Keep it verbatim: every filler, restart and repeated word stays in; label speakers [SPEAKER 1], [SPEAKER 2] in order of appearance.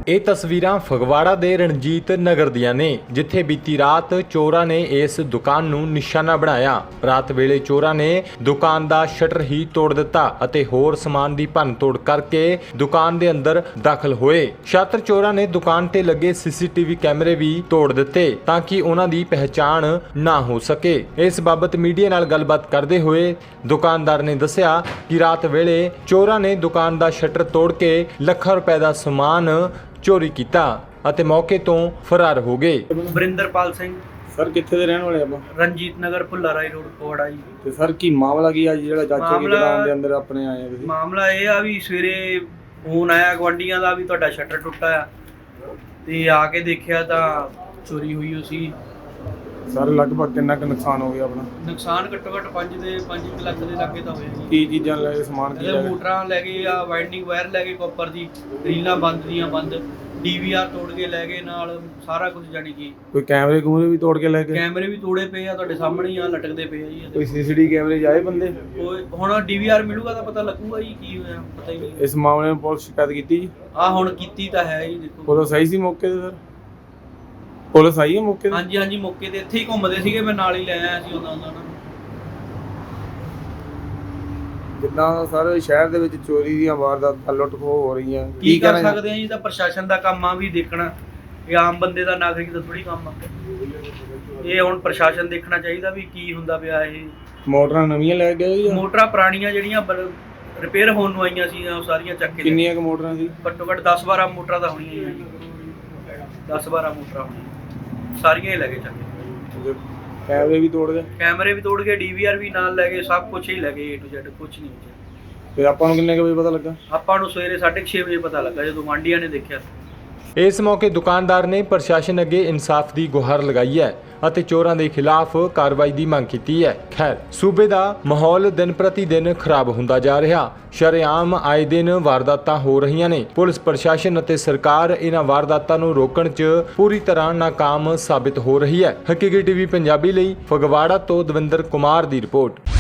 [SPEAKER 1] ਇਹ ਤਸਵੀਰਾਂ ਫਗਵਾੜਾ ਦੇ ਰਣਜੀਤ ਨਗਰ ਦੀਆਂ ਨੇ, ਜਿੱਥੇ ਬੀਤੀ ਰਾਤ ਚੋਰਾਂ ਨੇ ਇਸ ਦੁਕਾਨ ਨੂੰ ਨਿਸ਼ਾਨਾ ਬਣਾਇਆ। ਰਾਤ ਵੇਲੇ ਚੋਰਾਂ ਨੇ ਦੁਕਾਨ ਦਾ ਸ਼ਟਰ ਹੀ ਤੋੜ ਦਿੱਤਾ ਅਤੇ ਹੋਰ ਸਮਾਨ ਦੀ ਭੰਨਤੋੜ ਕਰਕੇ ਦੁਕਾਨ ਦੇ ਅੰਦਰ ਦਾਖਲ ਹੋਏ। ਛਾਤਰ ਚੋਰਾਂ ਨੇ ਦੁਕਾਨ ਤੇ ਲੱਗੇ ਸੀਸੀਟੀਵੀ ਕੈਮਰੇ ਵੀ ਤੋੜ ਦਿੱਤੇ ਤਾਂ ਕਿ ਉਹਨਾਂ ਦੀ ਪਹਿਚਾਣ ਨਾ ਹੋ ਸਕੇ। ਇਸ ਬਾਬਤ ਮੀਡੀਆ ਨਾਲ ਗੱਲਬਾਤ ਕਰਦੇ ਹੋਏ ਦੁਕਾਨਦਾਰ ਨੇ ਦੱਸਿਆ ਕਿ ਰਾਤ ਵੇਲੇ ਚੋਰਾਂ ਨੇ ਦੁਕਾਨ ਦਾ ਸ਼ਟਰ ਤੋੜ ਕੇ ਲੱਖਾਂ ਰੁਪਏ ਦਾ ਸਮਾਨ ਚੋਰੀ ਕੀਤਾ ਅਤੇ ਮੌਕੇ ਤੋਂ ਫਰਾਰ ਹੋ ਗਏ।
[SPEAKER 2] ਵਰਿੰਦਰਪਾਲ ਸਿੰਘ
[SPEAKER 3] ਸਰ ਕਿੱਥੇ ਦੇ ਰਹਿਣ ਵਾਲੇ ਆਪਾਂ?
[SPEAKER 2] ਰਣਜੀਤ ਨਗਰ ਭੁੱਲਾ ਰਾਈ ਰੋਡ ਕੋੜਾ ਜੀ।
[SPEAKER 3] ਤੇ ਸਰ ਕੀ ਮਾਮਲਾ ਕੀ ਆ ਜਿਹੜਾ ਚਾਚੇ ਦੀ ਦੁਕਾਨ ਦੇ ਅੰਦਰ ਆਪਣੇ ਆਏ ਆ ਤੁਸੀਂ?
[SPEAKER 2] ਮਾਮਲਾ ਇਹ ਆ ਵੀ ਸਵੇਰੇ ਫੋਨ ਆਇਆ ਗਵਾਂਡੀਆਂ ਦਾ ਵੀ ਤੁਹਾਡਾ ਸ਼ਟਰ ਟੁੱਟਾ ਆ, ਤੇ ਆ ਕੇ ਦੇਖਿਆ ਤਾਂ ਚੋਰੀ ਹੋਈ ਹੋ ਸੀ।
[SPEAKER 3] ਸਰ ਲਗਭਗ ਕਿੰਨਾ ਕੁ ਨੁਕਸਾਨ ਹੋ ਗਿਆ ਆਪਣਾ?
[SPEAKER 2] ਨੁਕਸਾਨ ਘੱਟੋ ਘੱਟ ਪੰਜ ਦੇ ਪੰਜ ਲੱਖ ਦੇ ਲਾਗੇ ਤਾਂ ਹੋਇਆ ਜੀ।
[SPEAKER 3] ਕੀ ਚੀਜ਼ਾਂ ਲੈ ਗਏ, ਸਮਾਨ ਕੀ ਲੈ ਗਏ?
[SPEAKER 2] ਮੋਟਰਾਂ ਲੈ ਗਏ ਆ, ਵਾਈਂਡਿੰਗ ਵਾਇਰ ਲੈ ਗਏ, ਕਾਪਰ ਦੀ ਰੀਲਾਂ ਬੰਦ ਦੀਆਂ ਬੰਦ, ਡੀਵੀਆਰ ਤੋੜ ਕੇ ਲੈ ਗਏ, ਨਾਲ ਸਾਰਾ ਕੁਝ ਜਾਨੀ ਕਿ
[SPEAKER 3] ਕੋਈ ਕੈਮਰੇ ਕੂਮਰੇ ਵੀ ਤੋੜ ਕੇ ਲੈ ਗਏ?
[SPEAKER 2] ਕੈਮਰੇ ਵੀ ਤੋੜੇ ਪਏ ਆ, ਤੁਹਾਡੇ ਸਾਹਮਣੇ ਹੀ ਆ, ਲਟਕਦੇ ਪਏ ਆ ਜੀ।
[SPEAKER 3] ਕੋਈ ਸੀਸੀਟੀਵੀ ਕੈਮਰੇ ਜਾਏ ਬੰਦੇ?
[SPEAKER 2] ਕੋਈ ਹੁਣ ਡੀਵੀਆਰ ਮਿਲੂਗਾ ਤਾਂ ਪਤਾ ਲੱਗੂਗਾ ਜੀ ਕੀ ਹੋਇਆ, ਪਤਾ ਹੀ ਨਹੀਂ।
[SPEAKER 3] ਇਸ ਮਾਮਲੇ ਨੂੰ ਪੁਲਿਸ ਸ਼ਿਕਾਇਤ ਕੀਤੀ ਜੀ?
[SPEAKER 2] ਆ ਹੁਣ ਕੀਤੀ ਤਾਂ ਹੈ ਜੀ। ਦੇਖੋ
[SPEAKER 3] ਪੁਲਿਸ ਆਈ ਸੀ ਮੌਕੇ ਤੇ? ਸਰ ਪੁਲਿਸ ਆਈ ਹੈ ਮੌਕੇ ਤੇ?
[SPEAKER 2] ਹਾਂਜੀ ਹਾਂਜੀ ਮੌਕੇ ਤੇ ਇੱਥੇ ਹੀ ਘੁੰਮਦੇ ਸੀਗੇ, ਮੈਂ ਨਾਲ ਹੀ ਲੈ ਆਇਆ ਸੀ ਉਹਨਾਂ ਉਹਨਾਂ ਨੂੰ।
[SPEAKER 3] ਜਿੱਦਾਂ ਸਰ ਸ਼ਹਿਰ ਦੇ ਵਿੱਚ ਚੋਰੀ ਦੀਆਂ ਵਾਰਦਾਤਾਂ ਲੁੱਟ ਖੋਹ ਹੋ ਰਹੀਆਂ,
[SPEAKER 2] ਕੀ ਕਰ ਸਕਦੇ ਆ ਜੀ? ਤਾਂ ਪ੍ਰਸ਼ਾਸਨ ਦਾ ਕੰਮ ਆ ਵੀ ਦੇਖਣਾ, ਇਹ ਆਮ ਬੰਦੇ ਦਾ, ਨਾਗਰਿਕ ਦਾ ਥੋੜੀ ਕੰਮ ਆ। ਇਹ ਹੁਣ ਪ੍ਰਸ਼ਾਸਨ ਦੇਖਣਾ ਚਾਹੀਦਾ ਵੀ ਕੀ ਹੁੰਦਾ ਪਿਆ। ਇਹ
[SPEAKER 3] ਮੋਟਰਾਂ ਨਵੀਆਂ ਲੈ ਗਏ ਜਾਂ
[SPEAKER 2] ਮੋਟਰਾਂ ਪੁਰਾਣੀਆਂ ਜਿਹੜੀਆਂ ਰਿਪੇਅਰ ਹੋਣ ਨੂੰ ਆਈਆਂ ਸੀ ਉਹ ਸਾਰੀਆਂ ਚੱਕ ਕੇ?
[SPEAKER 3] ਕਿੰਨੀਆਂ ਕੁ ਮੋਟਰਾਂ ਸੀ?
[SPEAKER 2] ਘੱਟੋ ਘੱਟ ਦਸ ਬਾਰਾਂ ਮੋਟਰਾਂ ਤਾਂ ਹੋਣੀਆਂ ਹੀ ਆ ਜੀ। ਦਸ ਬਾਰਾਂ ਮੋਟਰਾਂ ਹੋਣੀਆਂ, ਸਾਰੀਆਂ ਹੀ ਲੈ ਗਏ ਚੱਕ ਕੇ।
[SPEAKER 3] ਕੈਮਰੇ ਵੀ ਤੋੜ ਗਏ?
[SPEAKER 2] ਕੈਮਰੇ ਵੀ ਤੋੜ ਗਏ, ਡੀਵੀਆਰ ਵੀ ਨਾਲ ਲੈ ਗਏ, ਸਭ ਕੁਝ ਹੀ ਲੈ ਗਏ, ਏ ਟੂ ਜ਼ੈਡ ਕੁਝ ਨਹੀਂ ਬਚਿਆ।
[SPEAKER 3] ਤੇ ਆਪਾਂ ਨੂੰ ਕਿੰਨੇ ਕੁ ਵਜੇ ਪਤਾ ਲੱਗਾ?
[SPEAKER 2] ਆਪਾਂ ਨੂੰ ਸਵੇਰੇ ਸਾਢੇ ਛੇ ਵਜੇ ਪਤਾ ਲੱਗਾ ਜਦੋਂ ਗੁਆਂਢੀਆਂ ਨੇ ਦੇਖਿਆ।
[SPEAKER 1] ਇਸ ਮੌਕੇ ਦੁਕਾਨਦਾਰ ਨੇ ਪ੍ਰਸ਼ਾਸਨ ਅੱਗੇ ਇਨਸਾਫ ਦੀ ਗੁਹਾਰ ਲਗਾਈ ਹੈ ਅਤੇ ਚੋਰਾਂ ਦੇ ਖਿਲਾਫ ਕਾਰਵਾਈ ਦੀ ਮੰਗ ਕੀਤੀ ਹੈ। ਖੈਰ, ਸੂਬੇ ਦਾ ਮਾਹੌਲ ਦਿਨ ਪ੍ਰਤੀ ਦਿਨ ਖਰਾਬ ਹੁੰਦਾ ਜਾ ਰਿਹਾ। ਸ਼ਰੇਆਮ ਆਏ ਦਿਨ ਵਾਰਦਾਤਾਂ ਹੋ ਰਹੀਆਂ ਨੇ। ਪੁਲਿਸ ਪ੍ਰਸ਼ਾਸਨ ਅਤੇ ਸਰਕਾਰ ਇਹਨਾਂ ਵਾਰਦਾਤਾਂ ਨੂੰ ਰੋਕਣ 'ਚ ਪੂਰੀ ਤਰ੍ਹਾਂ ਨਾਕਾਮ ਸਾਬਿਤ ਹੋ ਰਹੀ ਹੈ। ਹਕੀਕੀ ਟੀਵੀ ਪੰਜਾਬੀ ਲਈ ਫਗਵਾੜਾ ਤੋਂ ਦਵਿੰਦਰ ਕੁਮਾਰ ਦੀ ਰਿਪੋਰਟ।